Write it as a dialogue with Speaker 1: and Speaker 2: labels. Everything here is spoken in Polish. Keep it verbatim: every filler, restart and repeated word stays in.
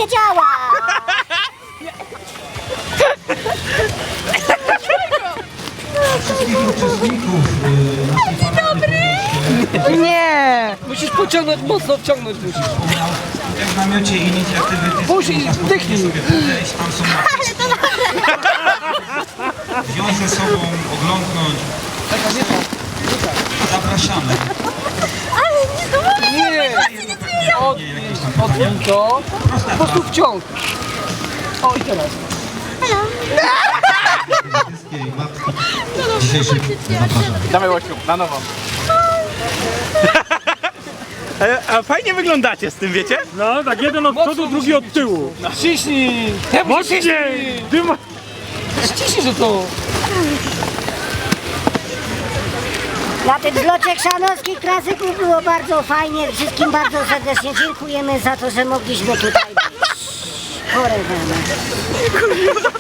Speaker 1: nie działa!
Speaker 2: Wszystkich uczestników naszej parady
Speaker 3: Nie!
Speaker 4: Musisz pociągnąć, mocno wciągnąć musisz.
Speaker 2: wspomniał, jak w namiocie inicjatywy
Speaker 4: Puść i
Speaker 2: można
Speaker 4: wdychnij.
Speaker 2: sobie podejść, tam są wziąć ze sobą, oglądnąć. Zapraszamy.
Speaker 4: Nie! Odwin, odwin to. Po prostu wciąg. O i teraz.
Speaker 2: Wszystkie matki dzisiejszych zapraszamy.
Speaker 5: Dawaj Łosiu, na nowo. A, a fajnie wyglądacie z tym, wiecie?
Speaker 6: No, tak jeden od przodu, drugi od tyłu.
Speaker 4: Ciśnij!
Speaker 6: Mocniej! Ty ma...
Speaker 4: Ściśnij, że to.
Speaker 1: Na tym zlocie chrzanowskich klasyków było bardzo fajnie. Wszystkim bardzo serdecznie dziękujemy za to, że mogliśmy tutaj być. Chore